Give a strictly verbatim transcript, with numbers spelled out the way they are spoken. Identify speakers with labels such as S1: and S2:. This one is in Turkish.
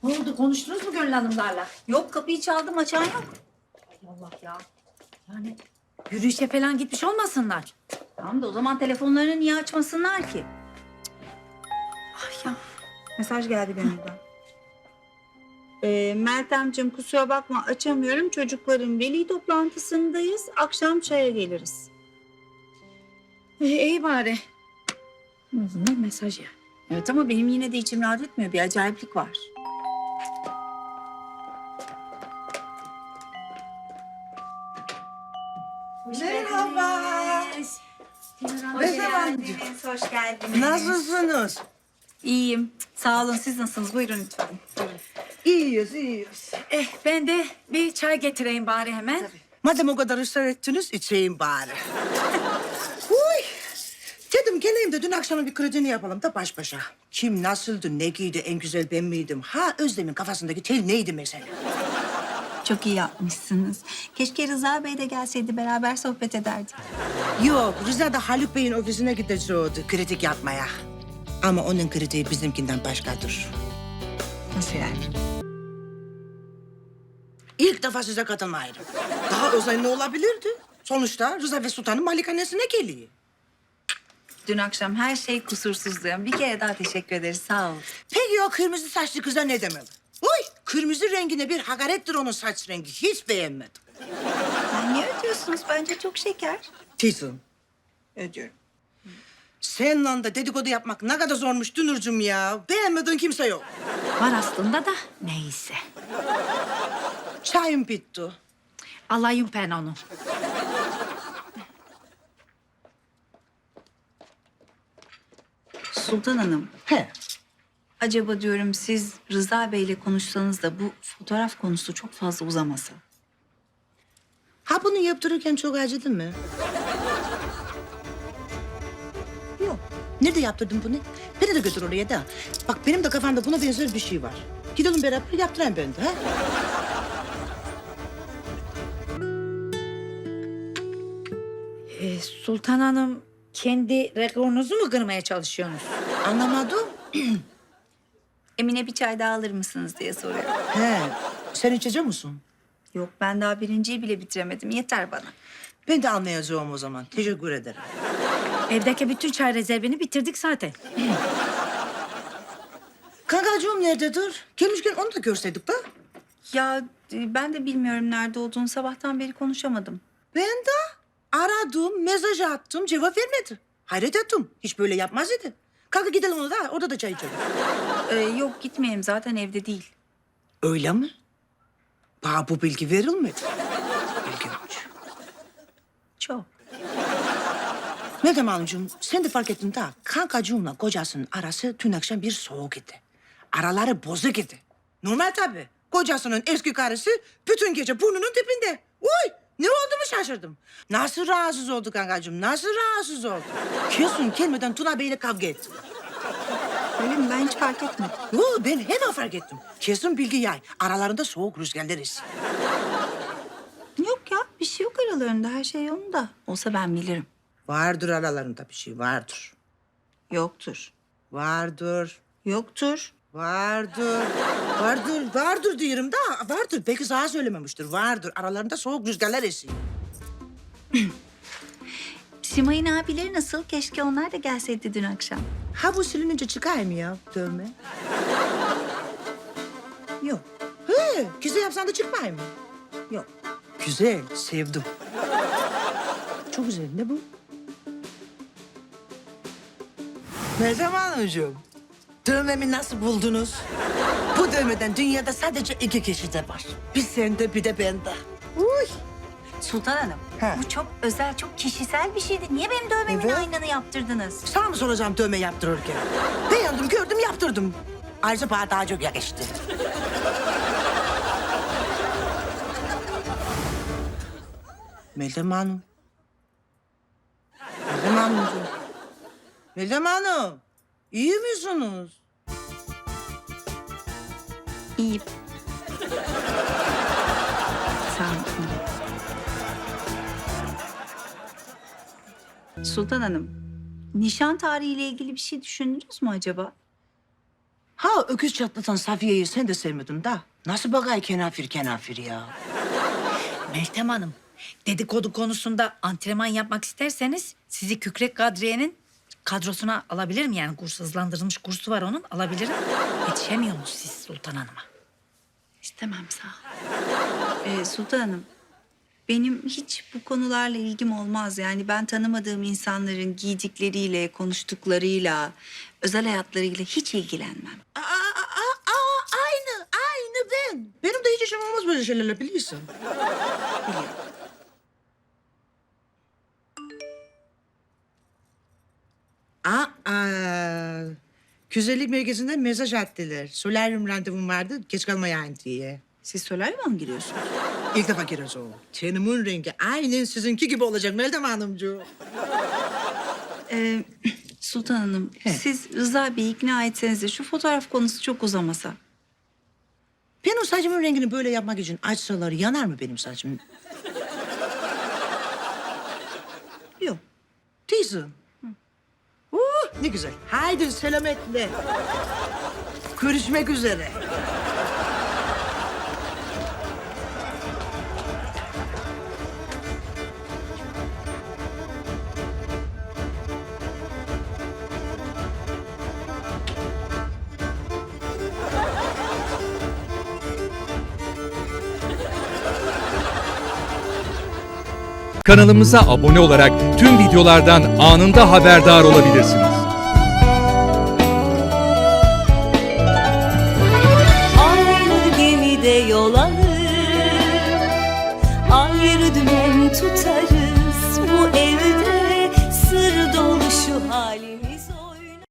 S1: Ne oldu? Konuştunuz mu Gönül Hanımlarla?
S2: Yok, kapıyı çaldım, açan yok.
S1: Ay Allah ya. Yani yürüyüşe falan gitmiş olmasınlar.
S2: Tamam da o zaman telefonlarını niye açmasınlar ki?
S1: Ay ya.
S2: Mesaj geldi Gönül'den. Ee, Meltemciğim kusura bakma açamıyorum. Çocukların veli toplantısındayız. Akşam çaya geliriz.
S1: Ee, iyi bari. En azından mesaj ya.
S2: Evet ama benim yine de içim rahat etmiyor. Bir acayiplik var.
S3: Merhaba.
S2: Hoş
S3: Ne zaman?
S2: geldiniz, hoş geldiniz.
S3: Nasılsınız?
S2: İyiyim. Sağ olun. Siz nasılsınız? Buyurun lütfen. Buyurun.
S3: İyiyiz, iyiyiz.
S1: Eh ben de bir çay getireyim bari hemen.
S3: Madem o kadar ısrar ettiniz, içeyim bari. Uy. Dedim geleyim de dün akşamın bir kredini yapalım da baş başa. Kim nasıldı, ne giydi, en güzel ben miydim? Ha Özlem'in kafasındaki tel neydi mesela?
S2: Çok iyi yapmışsınız. Keşke Rıza Bey de gelseydi, beraber sohbet ederdik.
S3: Yok, Rıza da Haluk Bey'in ofisine gideceğiydi kritik yapmaya. Ama onun kritiği bizimkinden başkadır.
S2: Nasıl yani?
S3: İlk defa size katılmayırım. Daha özel ne olabilirdi? Sonuçta Rıza ve Sultan'ın malikanesine geliyor.
S2: Dün akşam her şey kusursuzdu. Bir kere daha teşekkür ederiz. Sağ olun.
S3: Peki o kırmızı saçlı kıza ne demeli? Uy, kırmızı rengine bir hakarettir onun saç rengi. Hiç beğenmedim.
S2: Yani niye ödüyorsunuz? Bence çok şeker.
S3: Tizim,
S2: Ödüyorum.
S3: seninle de dedikodu yapmak ne kadar zormuş Dünürcüm ya. Beğenmediğin kimse yok.
S1: Var aslında da neyse.
S3: Çayım bitti.
S1: Alayım ben onu.
S2: Sultan Hanım,
S3: He.
S2: acaba diyorum siz Rıza Bey'le konuşsanız da bu fotoğraf konusu çok fazla uzamasa.
S3: Ha bunu yaptırırken çok acıdı mı? Yok. Nerede yaptırdın bunu? Beni de götür oraya da. Bak benim de kafamda buna benzer bir şey var. Gidelim beraber yaptırayım ben de. Ha?
S1: Ee, Sultan Hanım kendi rekorunuzu mu kırmaya çalışıyorsunuz?
S3: Anlamadım.
S2: Emine bir çay daha alır mısınız diye soruyor.
S3: He. Sen içecek misin?
S2: Yok, ben daha birinciyi bile bitiremedim. Yeter bana.
S3: Ben de anlayacağım o zaman. Teşekkür ederim.
S1: Evdeki bütün çay rezervini bitirdik zaten.
S3: Kankacığım nerededir? Gelmişken onu da görseydik de.
S2: Ya e, ben de bilmiyorum nerede olduğunu. Sabahtan beri konuşamadım.
S3: Ben de aradım, mesaj attım, cevap vermedi. Hayret ettim. Hiç böyle yapmaz idi. Kalk gidelim ona da, orada da çay içelim.
S2: Ee, yok gitmeyelim, zaten evde değil.
S3: Öyle mi? Bana bu bilgi verilmedi. İlginç.
S2: Çok.
S3: Meltem Hanımcığım, sen de fark ettin de kankacığımla kocasının arası dün akşam bir soğuk idi. Araları bozuk idi. Normal tabii. Kocasının eski karısı bütün gece burnunun dibinde. Uy! Ne oldu mu şaşırdım. Nasıl rahatsız oldu kankacığım? Nasıl rahatsız oldu? Kesin gelmeden Tuna Bey'le kavga etti.
S2: Öyle mi? Ben hiç fark etmedim.
S3: Yo, ben hemen fark ettim. Kesin bilgi yay. Aralarında soğuk rüzgarlar esiyor.
S2: Yok ya, bir şey yok aralarında. Her şey yolunda. Olsa ben bilirim.
S3: Vardır aralarında bir şey, vardır.
S2: Yoktur.
S3: Vardır.
S2: Yoktur.
S3: Vardır. Vardır. Vardır diyorum da vardır. Belki sana söylememiştir. Vardır. Aralarında soğuk rüzgarlar esiyor.
S2: Simay'ın abileri nasıl? Keşke onlar da gelseydi dün akşam.
S3: Ha bu silinince çıkar mı ya dövme? Yok. He, güzel yapsan da çıkmay mı? Yok. Güzel, sevdim. Çok güzel. Ne bu? Meltem Hanımcığım, dövmemi nasıl buldunuz? Bu dövmeden dünyada sadece iki kişi de var. Bir sende, bir de bende. Uy.
S2: Sultan Hanım,
S3: He.
S2: bu çok özel, çok kişisel bir şeydi. Niye benim dövmemin
S3: Evet.
S2: aynını yaptırdınız?
S3: Sana mı soracağım dövme yaptırırken? Beğendim, gördüm, yaptırdım. Ayrıca bana daha çok yakıştı. Meltem Hanım. Meltem Hanımcığım. Meltem Hanım. İyi misiniz?
S2: İyi. Sağ olun. Sultan Hanım, nişan tarihiyle ilgili bir şey düşündünüz mü acaba?
S3: Ha öküz çatlatan Safiye'yi sen de sevmedin da. Nasıl bakay kenafir kenafir ya?
S1: Meltem Hanım, dedikodu konusunda antrenman yapmak isterseniz sizi Kükrek Kadriye'nin kadrosuna alabilirim. Yani kurs hızlandırılmış kursu var onun, alabilirim. Yetişemiyorsunuz siz Sultan Hanım'a.
S2: İstemem sağ ol. Ee, Sultan Hanım, benim hiç bu konularla ilgim olmaz. Yani ben tanımadığım insanların giydikleriyle, konuştuklarıyla, özel hayatlarıyla hiç ilgilenmem.
S3: Aa, aa, aa, aa, aynı, aynı ben. Benim de hiç işim olmaz böyle şeylerle biliyorsun.
S2: Biliyorum.
S3: Aa, güzellik merkezinden mesaj attılar. Solaryum randevum vardı, geç kalmayayım diye.
S2: Siz solaryuma mı giriyorsunuz?
S3: İlk defa giriyoruz o. Tenimin rengi aynen sizinki gibi olacak Meltem Hanımcığım.
S2: Ee, Sultan Hanım,
S3: He.
S2: siz Rıza Bey'i ikna etseniz de şu fotoğraf konusu çok uzamasa.
S3: Benim saçımın rengini böyle yapmak için açsalar yanar mı benim saçım?
S2: Yok.
S3: Değilsin. Uh, ne güzel. Haydi selametle. Görüşmek üzere.
S4: Kanalımıza abone olarak tüm videolardan anında haberdar olabilirsiniz.
S5: Aynı gemide yol alır, ayrı dümen tutarız.